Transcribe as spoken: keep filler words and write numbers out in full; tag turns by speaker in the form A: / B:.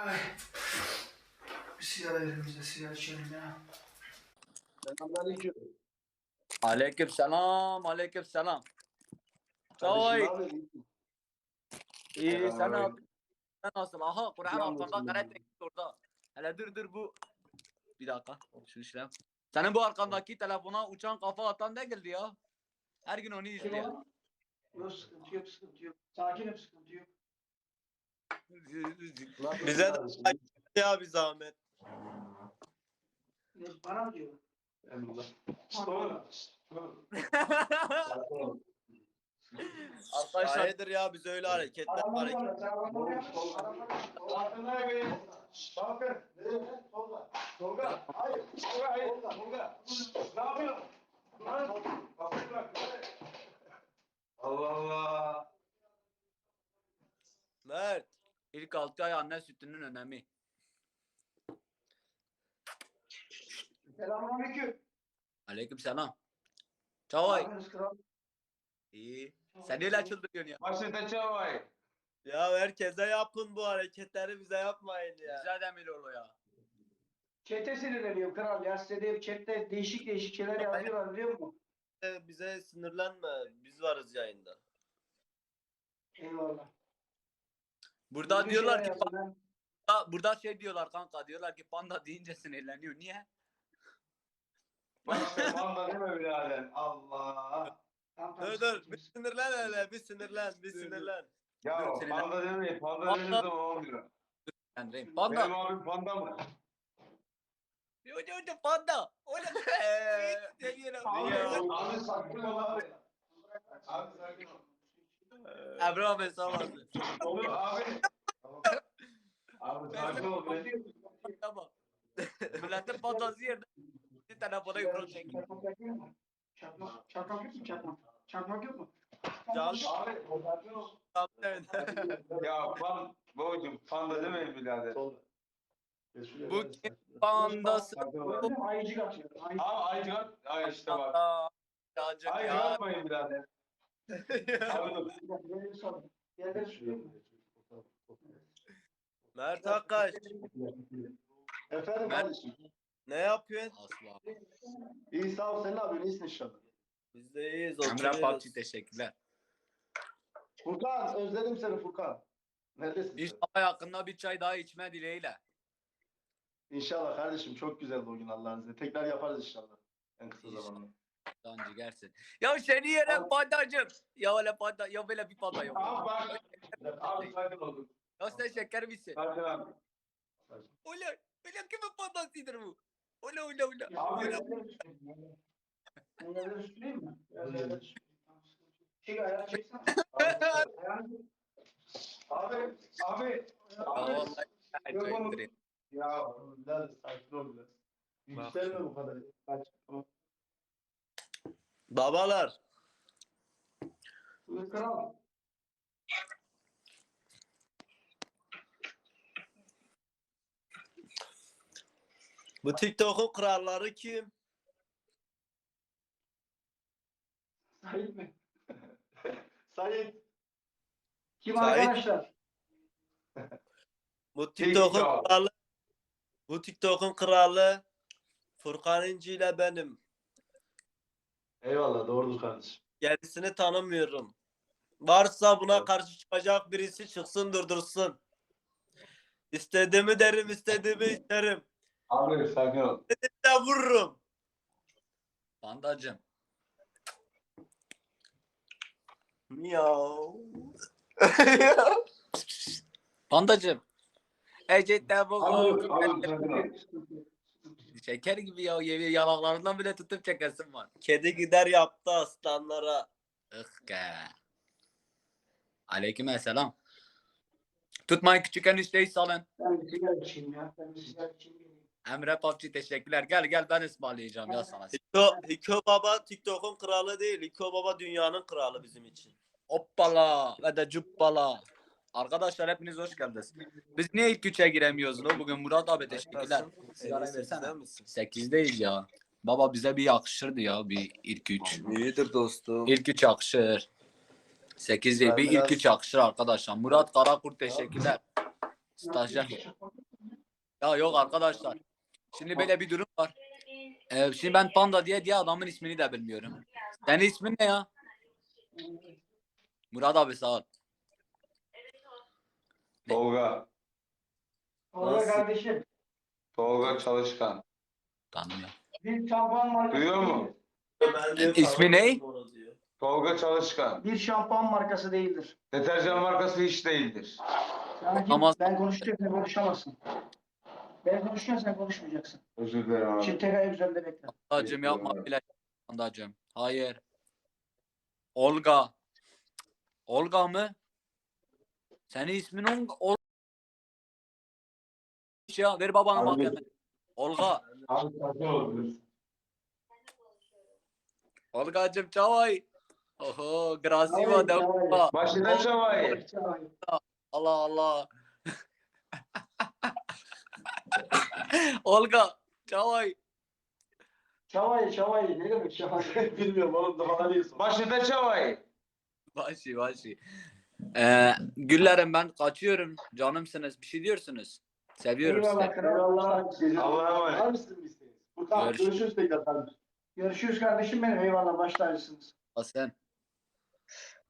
A: Ay. Bir sigara verin bize, sigara içelim ya.
B: Selamünaleyküm.
C: Aleyküm selam, aleyküm selam.
B: Kardeşim ne
C: Çay.
B: yapıyorsun?
C: İyi, sen ne
B: Selamünaleyküm.
C: yapıyorsun? Sen nasılsın? Aha, Kur'an
B: Yalnız
C: arkanda
B: mı?
C: karate gitti orada. Hele dur dur bu. Bir dakika, şu işlem. Senin bu arkandaki telefona uçan kafa atan ne geldi ya? Her gün onu
A: Kim
C: izliyor.
A: o? Yok sıkıntı yok, sıkıntı yok. Sakinim, sıkıntı yok.
B: Bize de ya bir zahmet.
A: Ne, bana mı diyor?
B: Emrullah.
C: Arkadaşlar
B: Hayırdır ya biz öyle hareketler
A: Arabanı
B: hareket.
A: bana, sen arabanı yap. Arabanı yap. Bakın. Tolga. Tolga. Hayır. Tolga, hayır. Tolga. Ne yapıyorsun? Lan. Kafayı bırak.
B: Allah Allah. Mert.
C: ilk altı ay anne sütünün önemi.
A: Selamünaleyküm.
C: Aleyküm selam. Çay.
A: Abiniz kral.
C: İyi. Sen neyle çıldırıyorsun ya?
B: Başında çavay. Ya herkese yapın bu hareketleri bize yapmayın ya.
C: Güzel Demiroğlu ya.
A: Chat'e sinirleniyorum kral ya. Size de chat'te değişik değişik şeyler yazıyorlar biliyor musun?
B: Bize sinirlenme. Biz varız yayında.
A: Eyvallah.
C: Burada
A: Düzgün
C: diyorlar
A: şeyler
C: ki
A: yazın lan.
C: panda, burada şey diyorlar kanka, diyorlar ki panda deyince sinirleniyor. Niye?
B: Panda değil mi birader? Allah.
A: Tamam, tamam,
B: Dur dur
A: sıkıntı
B: bir
A: yok.
B: sinirlen hele bir sinirlen bir sinirlen.
C: Ya,
D: Ya panda demeyin, panda
C: Panda-
D: dediğiniz zaman olmuyor.
C: Yani
D: Benim
C: panda.
D: abim panda mı?
C: Yo yo yo panda. Öyle demiyorum.
A: Abi,
D: Abi sakin ol abi. Abi sakin ol.
C: Emre abi sağ olasın.
D: Olur abi. Abi sakin ol. be.
C: Tamam. Milletin fantezi yerine bir telefona yumruk çekiyor.
A: Çakmak yapayım mı? Çakmak, çakmak yok mu çakmak? Çakmak yok mu?
B: Can-
D: Abi sakin ol.
B: Evet.
D: Ya pan, babacım panda demeyin birader.
C: Bu kim pandası?
D: Sakin ol.
A: Gördün mü? Ayıcık atıyor. Ayıcık.
D: Abi aycık. Ay işte bak.
C: Aa, Yağcık
D: Aycık
C: ya.
D: atmayın birader. Abi dur.
A: Bir dakika, yerleri sorun. Yerleri sürüyor mu?
B: Mert Akkaş
E: Efendim
C: Ben-
E: kardeşim.
B: ne yapıyorsun?
C: Asla.
E: İyi sağ ol. Sen ne yapıyorsun? İyisin inşallah.
B: Biz de iyiyiz
C: Emre
B: oturuyoruz.
C: Papçı teşekkürler.
E: Furkan özledim seni Furkan. Neredesin sen?
C: İnşallah yakında bir çay daha içme dileğiyle.
E: İnşallah kardeşim çok güzeldi o gün Allah'ın izniyle. Tekrar yaparız inşallah. En kısa
C: İnşallah.
E: zamanda.
C: Dancı gerçin. Ya seni yerim pandacım. Ya öyle panda, ya böyle bir panda yok.
D: Abi bak. Abi sakin ol.
C: Ya sen şeker misin?
D: Sakin abi.
C: Ulan, ulan kimin pandasıdır bu? Ulan ulan ulan.
D: Abi.
A: Yerleri sürüyor. Yerleri süreyim mi? Biraz yerleri süreyim. Tamam, sıkıntı yok. Çek ayağı çeksene. Ayağını
D: Abi. Abi.
C: Ya
D: Abi.
C: vallahi çay çayındırayım.
E: Ya biraz sakin ol biraz. Yükselme bu kadar. Kaç.
B: Babalar.
A: Buyur kral.
B: Bu TikTok'un kralları kim?
A: Sahip mi?
E: Sait.
A: Kim
B: Sahip.
A: arkadaşlar?
B: Bu TikTok'un
D: TikTok.
B: kralı. Bu TikTok'un kralı Furkan İnci ile benim.
E: Eyvallah doğrudur kardeşim.
B: Gerisini tanımıyorum. Varsa buna
E: Evet.
B: karşı çıkacak birisi çıksın durdursun. İstediğimi derim, istediğimi isterim.
D: Abi sakin ol.
B: De vururum.
C: Pandacım.
B: Miau.
C: Pandacım. Ecette bu
D: Abi, abi sakin ol.
C: şeker gibi ya, yemin yanaklarından bile tutup çekesim var.
B: Kedi gider yaptı aslanlara.
C: Ih ke. Aleyküm selam. Tutmayın küçük enişteyi salın.
A: Ben bir sigara içeyim ya. Ben bir sigara içeyim. geleyim.
C: Emre Papçı teşekkürler. Gel gel ben ısmarlayacağım ya sana.
B: Hiko, Hiko Baba TikTok'un kralı değil. Hiko Baba dünyanın kralı bizim için.
C: Hoppala ve de cuppala. Arkadaşlar hepiniz hoş geldiniz. Biz niye ilk üçe giremiyoruz lo? Bugün Murat abi teşekkürler. Sigarayı versene. sekizdeyiz ya. Baba bize bir yakışırdı ya bir ilk üç.
B: İyidir dostum.
C: İlk üç yakışır. sekiz değil bir ilk üç yakışır arkadaşlar. Murat Karakurt teşekkürler. Stajyer. Ya yok arkadaşlar. Şimdi böyle bir durum var. Ee, şimdi ben Panda diye diye adamın ismini de bilmiyorum. Senin ismin ne ya? Murat abi sağ ol.
D: Tolga.
A: Tolga
B: Nasıl?
A: kardeşim.
D: Tolga Çalışkan.
C: Tanımıyorum.
A: Bir şampuan markası
D: Duyuyor
A: değildir.
D: mu?
B: Ben de
C: İsmi ne?
B: tanımadım onu diyor.
D: Tolga Çalışkan.
A: Bir şampuan markası değildir.
D: Deterjan markası hiç değildir.
A: Sanki
C: Ama-
A: ben konuşurken sen konuşamazsın. Ben konuşurken sen konuşmayacaksın.
D: Özür dilerim abi.
A: Şimdi tek ayak üzerinde bekle.
C: Pandacığım yapma bile. Pandacığım. Hayır. Olga. Olga mı? Senin ismin Olga. Ol ya ver babanın
D: Abi-
C: mahkeme. Olga.
D: Abi sakin ol.
C: Olgacığım çavay. Oho, grasiva
A: Çavay,
C: devla.
D: Başına çavayı.
C: Allah Allah. Olga, çavay.
A: Çavay, çavay. Ne demek çavay?
E: Bilmiyorum oğlum daha değilsin.
D: Başına çavayı.
C: Başı başı. Ee, güllerim ben kaçıyorum. Canımsınız. Bir şey diyorsunuz. Seviyorum
A: Eyvallah
C: sizi.
A: kral.
E: Eyvallah.
D: Allah'a emanet.
E: Var mısın bir isteğiniz? Furkan
C: Görüşürüz.
E: görüşürüz tekrar kardeşim.
A: Görüşürüz kardeşim benim. Eyvallah baş tacısınız.
C: Sen.